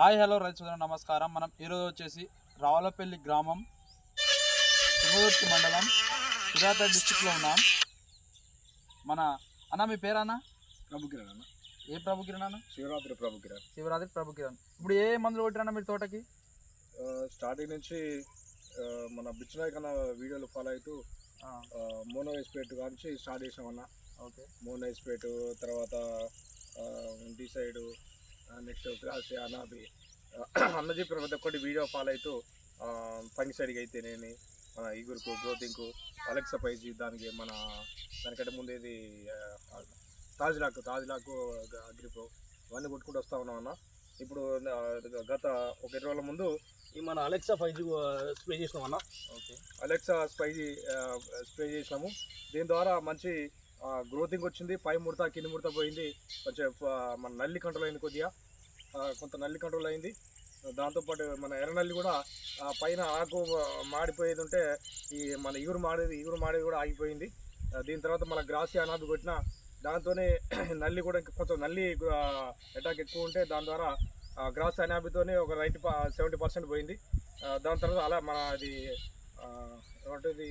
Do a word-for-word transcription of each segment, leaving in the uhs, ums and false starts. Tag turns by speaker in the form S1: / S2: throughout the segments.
S1: Hi hello రైతు సోదరులు నమస్కారం. మనం ఈరోజు వచ్చేసి రావులపల్లి గ్రామం తుంగతుర్తి మండలం సూర్యాపేట డిస్టిక్లో ఉన్నాం. మన అన్న మీ పేరన్నా?
S2: ప్రభుకిరణ్ అన్న.
S1: ఏ ప్రభుకిరణ్ అన్న?
S2: శివరాత్రి ప్రభుకిరణ్.
S1: శివరాత్రి ప్రభుకిరణ్. ఇప్పుడు ఏ మందులు కొట్టిరన్నా మీరు తోటకి?
S2: స్టార్టింగ్ నుంచి మన బిచ్చునాయక్ అన్న వీడియోలు ఫాలో అవుతూ మోనో ఎస్పేట్ నుంచి స్టార్ట్ చేసామన్న.
S1: ఓకే,
S2: మోనో ఎస్పేట్ తర్వాత డిసైడ్ నెక్స్ట్ క్లాస్ అనాబి అన్న చెప్పిన ప్రతి ఒక్కటి వీడియో ఫాలో అవుతూ ఫంగిసైడ్కి అయితేనేమి మన ఈగురుకు గ్రోతింగ్కు అలెక్సా పైజీ దానికి మన దానికంటే ముందేది తాజ్లాక్ తాజ్లాక్ అగ్రిప్రో ఇవన్నీ కొట్టుకుంటూ వస్తూ ఉన్నాం అన్న. ఇప్పుడు గత ఒక ఇరవై రోజుల ముందు ఈ మన అలెక్సా ఫైవ్ జీ స్ప్రే చేసినాం అన్న. ఓకే, అలెక్సా స్పైజీ స్ప్రే చేసినాము. దీని ద్వారా మంచి గ్రోతింగ్ వచ్చింది. పై ముడత కింది ముడత పోయింది. కొంచెం మన నల్లి కంట్రోల్ అయింది, కొద్దిగా కొంత నల్లి కంట్రోల్ అయింది. దాంతోపాటు మన ఎర్రనల్లి కూడా పైన ఆకు మాడిపోయేది ఉంటే ఈ మన ఇగురు మాడేది ఇగురు మాడేది కూడా ఆగిపోయింది. దీని తర్వాత మన గ్రాసి అనాబి కొట్టిన దాంతోనే నల్లి కూడా కొంచెం నల్లి అటాక్ ఎక్కువ ఉంటే దాని ద్వారా గ్రాసి అనాబితోనే ఒక నైంటీ సెవెంటీ పర్సెంట్ పోయింది. దాని తర్వాత అలా మన అది ఏమంటుంది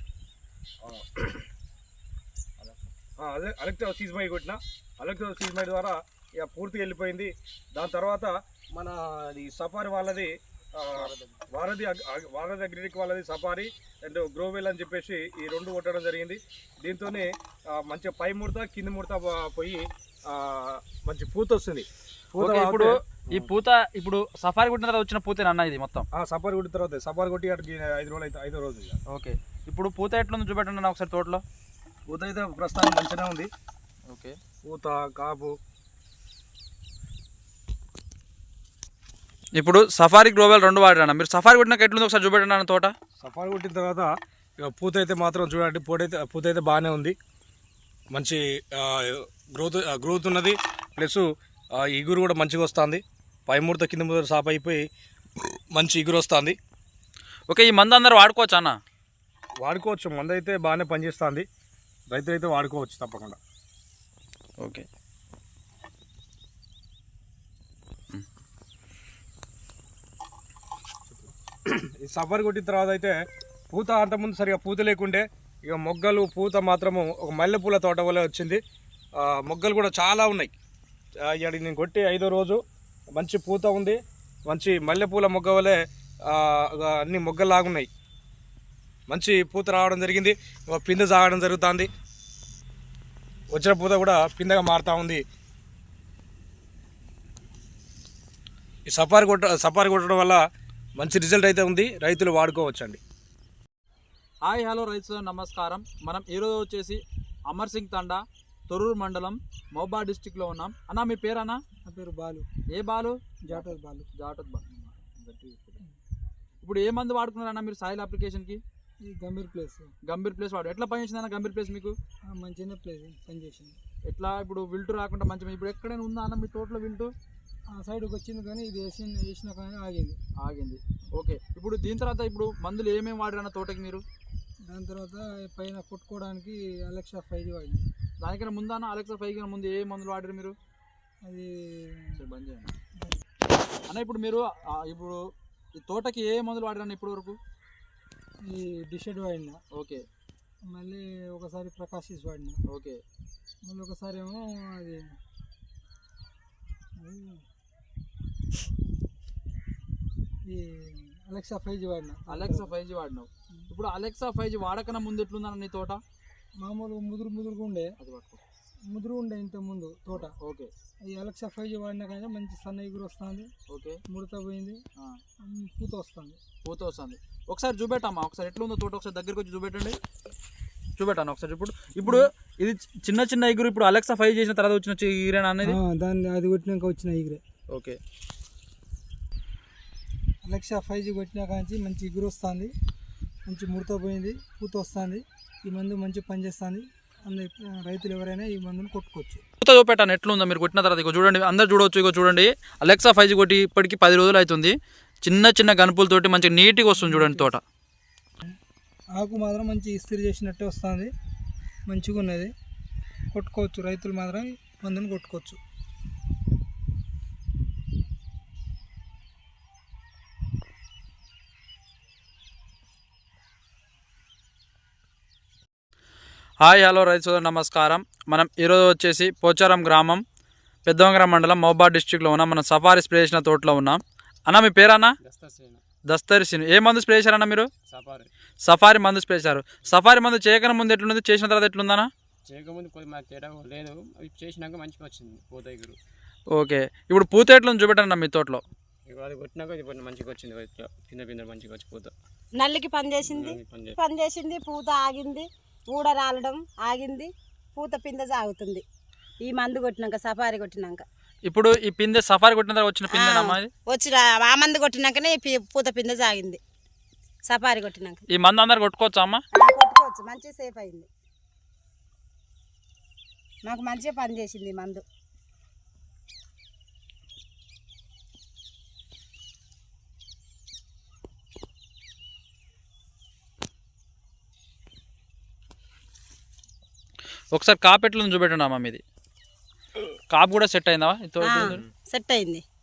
S2: అదే అలెక్సా సీజ్మై కొట్టిన అలెక్సా సీజ్మై ద్వారా ఇక పూర్తిగా వెళ్ళిపోయింది. దాని తర్వాత మన అది సఫారీ వాళ్ళది వారధి వారధి అగ్రిటెక్ వాళ్ళది సఫారీ అండ్ గ్రోవెల్ అని చెప్పేసి ఈ రెండు కొట్టడం జరిగింది. దీంతోనే మంచిగా పై ముడత కింది ముడత పోయి మంచి పూత వస్తుంది.
S1: ఇప్పుడు ఈ పూత ఇప్పుడు సఫారీ కొట్టిన తర్వాత వచ్చిన పూత అన్న ఇది మొత్తం?
S2: సఫారీ కొట్టిన తర్వాత సఫారీ కొట్టి అక్కడికి ఐదు రోజులు అయితే ఐదో రోజు.
S1: ఓకే, ఇప్పుడు పూత ఎట్లుంది చూపెట్టండి అన్న ఒకసారి. తోటలో
S2: పూత అయితే ప్రస్తుతానికి మంచిగానే ఉంది.
S1: ఓకే,
S2: పూత కాపు.
S1: ఇప్పుడు సఫారీ గ్రోవెల్ రెండు వాడినా మీరు? సఫారీ కొట్టినాక ఎట్లుంది ఒకసారి చూపెట్టండి అన్న తోట.
S2: సఫారీ కొట్టిన తర్వాత ఇక పూత అయితే మాత్రం చూడండి, పూట అయితే పూత అయితే బాగానే ఉంది. మంచి గ్రోత్ గ్రోత్ ఉన్నది. ప్లస్ ఇగురు కూడా మంచిగా వస్తుంది. పై ముడత కింద ముడత సాప్ అయిపోయి మంచి ఇగురు వస్తుంది.
S1: ఓకే, ఈ మందు అందరు వాడుకోవచ్చు అన్న?
S2: వాడుకోవచ్చు, మందు అయితే బాగానే పనిచేస్తుంది. రైతులు అయితే వాడుకోవచ్చు తప్పకుండా.
S1: ఓకే,
S2: ఈ సఫారీ కొట్టిన తర్వాత అయితే పూత అంతకుముందు సరిగా పూత లేకుండే ఇక మొగ్గలు పూత మాత్రము ఒక మల్లెపూల తోట వల్ల వచ్చింది. మొగ్గలు కూడా చాలా ఉన్నాయి. ఇక్కడ నేను కొట్టి ఐదో రోజు మంచి పూత ఉంది. మంచి మల్లెపూల మొగ్గ వల్లే అన్ని మొగ్గలాగున్నాయి. మంచి పూత రావడం జరిగింది. పిందె సాగడం జరుగుతుంది. వచ్చిన పూత కూడా పిందెగా మారుతూ ఉంది. ఈ సఫారీ కొట్ట సఫారీ కొట్టడం వల్ల మంచి రిజల్ట్ అయితే ఉంది. రైతులు వాడుకోవచ్చండి.
S1: హాయ్ హలో రైతు సోదరులు నమస్కారం. మనం ఈరోజు వచ్చేసి అమర్ సింగ్ తండా తొర్రూరు మండలం మహబూబాబాద్ డిస్టిక్లో ఉన్నాం. అన్న మీ పేరు అన్న?
S3: నా పేరు బాలు.
S1: ఏ బాలు?
S3: జాటోద్ బాలు.
S1: జాటోద్ బాలు. ఇప్పుడు ఏ మందు వాడుకున్నారన్న మీరు సాయిల్ అప్లికేషన్కి?
S3: ఈ గంభీర్ ప్లేస్.
S1: గంభీర్ ప్లేస్ వాడు ఎట్లా పనిచేసింది అన్న గంభీర్ ప్లేస్ మీకు?
S3: మంచిగా ప్లేస్ పనిచేసింది.
S1: ఎట్లా ఇప్పుడు విల్టు రాకుండా మంచిగా ఇప్పుడు ఎక్కడైనా ఉందా అన్న మీ తోటలో విల్టు?
S3: ఆ సైడ్కి వచ్చింది కానీ ఇది వేసి వేసిన కానీ ఆగింది
S1: ఆగింది ఓకే, ఇప్పుడు దీని తర్వాత ఇప్పుడు మందులు ఏమేమి వాడారన్న తోటకి మీరు?
S3: దాని తర్వాత పైన కొట్టుకోవడానికి అలెక్సా ఫైవ్ వాడింది.
S1: దానికైనా ముందు అన్న అలెక్సా ఫైవ్ కన్నా ముందు ఏ మందులు వాడారు మీరు?
S3: అది
S1: బంద్ చేయండి అన్న. ఇప్పుడు మీరు ఇప్పుడు ఈ తోటకి ఏ మందులు వాడారన్న ఇప్పటి వరకు?
S3: ఈ డిషెడ్ వాడినా.
S1: ఓకే,
S3: మళ్ళీ ఒకసారి ప్రకాశిస్ వాడినా.
S1: ఓకే,
S3: మళ్ళీ ఒకసారి ఏమో అది ఈ అలెక్సా ఫైవ్ జీ వాడినా.
S1: అలెక్సా ఫైవ్ జీ వాడినావు. ఇప్పుడు అలెక్సా ఫైవ్ జీ వాడకన్నా ముందు ఎట్లుందన్న నీ తోట?
S3: మామూలుగా ముదురు ముదురుగా ఉండే.
S1: అది పట్టుకో.
S3: ముదురు ఉండే ఇంత ముందు తోట.
S1: ఓకే,
S3: ఈ అలెక్సా ఫైవ్ జీ వాడినా కానీ మంచి సన్న ఎగురు వస్తుంది.
S1: ఓకే,
S3: ముడత పోయింది, పూత వస్తుంది.
S1: పూత వస్తుంది. ఒకసారి చూపెట్టమ్మా, ఒకసారి ఎట్లుందో తోట ఒకసారి దగ్గరికి వచ్చి చూపెట్టండి. చూపెట్టాను ఒకసారి. ఇప్పుడు ఇప్పుడు ఇది చిన్న చిన్న ఎగురు ఇప్పుడు అలెక్సా ఫైవ్ చేసిన తర్వాత వచ్చిన ఈరేనా అనేది?
S3: దాన్ని అది కొట్టినాక వచ్చిన ఈగరే.
S1: ఓకే,
S3: అలెక్సా ఫైవ్ జీ కొట్టినాక నుంచి మంచి ఎగురు వస్తుంది, మంచి ముడత పోయింది, పూత వస్తుంది. ఈ మందు మంచి పనిచేస్తుంది. అందరు రైతులు ఎవరైనా ఈ మందుని కొట్టుకోవచ్చు.
S1: పూత చూపెట్టాను ఎట్లుందో మీరు కొట్టిన తర్వాత. ఇగో చూడండి, అందరు చూడవచ్చు. ఇగో చూడండి, అలెక్సా ఫైవ్ జీ కొట్టి ఇప్పటికి పది రోజులు అవుతుంది. చిన్న చిన్న గనుపులతోటి మంచిగా నీట్గా వస్తుంది చూడండి తోట.
S3: ఆకు మాత్రం మంచి ఇస్త్రీ చేసినట్టే వస్తుంది, మంచిగా ఉన్నది. కొట్టుకోవచ్చు, రైతులు మాత్రం మందుని కొట్టుకోవచ్చు.
S1: హాయ్ హలో రైతు సోదరు నమస్కారం. మనం ఈరోజు వచ్చేసి పోచారం గ్రామం పెద్దవంగర మండలం మహబూబాద్ డిస్ట్రిక్ట్లో ఉన్నాం. మనం సఫారీ స్ప్రే చేసిన తోటలో ఉన్నాం. అన్న మీ పేరన్నా? దస్తరి సీను. ఏ మందు స్ప్రే చేశారన్న మీరు?
S4: సఫారీ
S1: సఫారీ మందు స్ప్రే చేశారు. సఫారీ మందు చేయకన ముందు ఎట్లుంది, చేసిన తర్వాత ఎట్లుందన్నా?
S4: చేయకముందు కొద్ది మాకు తేడా లేదు, అవి చేసినాక మంచిగా వచ్చింది పూత ఎగురు.
S1: ఓకే, ఇప్పుడు పూత ఎట్లుంది చూపెట్టండి మీ తోటలో.
S4: ఇక అది కొట్టినాక ఇది కొద్ది మంచిగా వచ్చింది, ఇట్లా కింద కింద మంచిగా వచ్చి పూత
S5: నల్లికి పని చేసింది
S4: నల్లికి పని చేసింది.
S5: పని చేసింది పూత ఆగింది, ఊడ రాలడం ఆగింది, పూత పింద సాగుతుంది ఈ మందు కొట్టినాక, సఫారీ కొట్టినాక.
S1: ఇప్పుడు ఈ పిందె సఫారీ కొట్టిన తర్వాత వచ్చిన పిందె
S5: వచ్చి ఆ మందు కొట్టినాకనే ఈ పి- పూత పింద సాగింది సఫారీ కొట్టినాక.
S1: ఈ మందు అందరు కొట్టుకోవచ్చా అమ్మ?
S5: ఆ, కొట్టుకోవచ్చు, మంచిగా సేఫ్ అయింది, మాకు మంచిగా పని చేసింది ఈ మందు.
S1: ఒకసారి కాపు ఎట్లుంది చూపెట్టండి అమ్మ. మీది కాపు కూడా సెట్ అయిందా?
S5: సెట్ అయింది.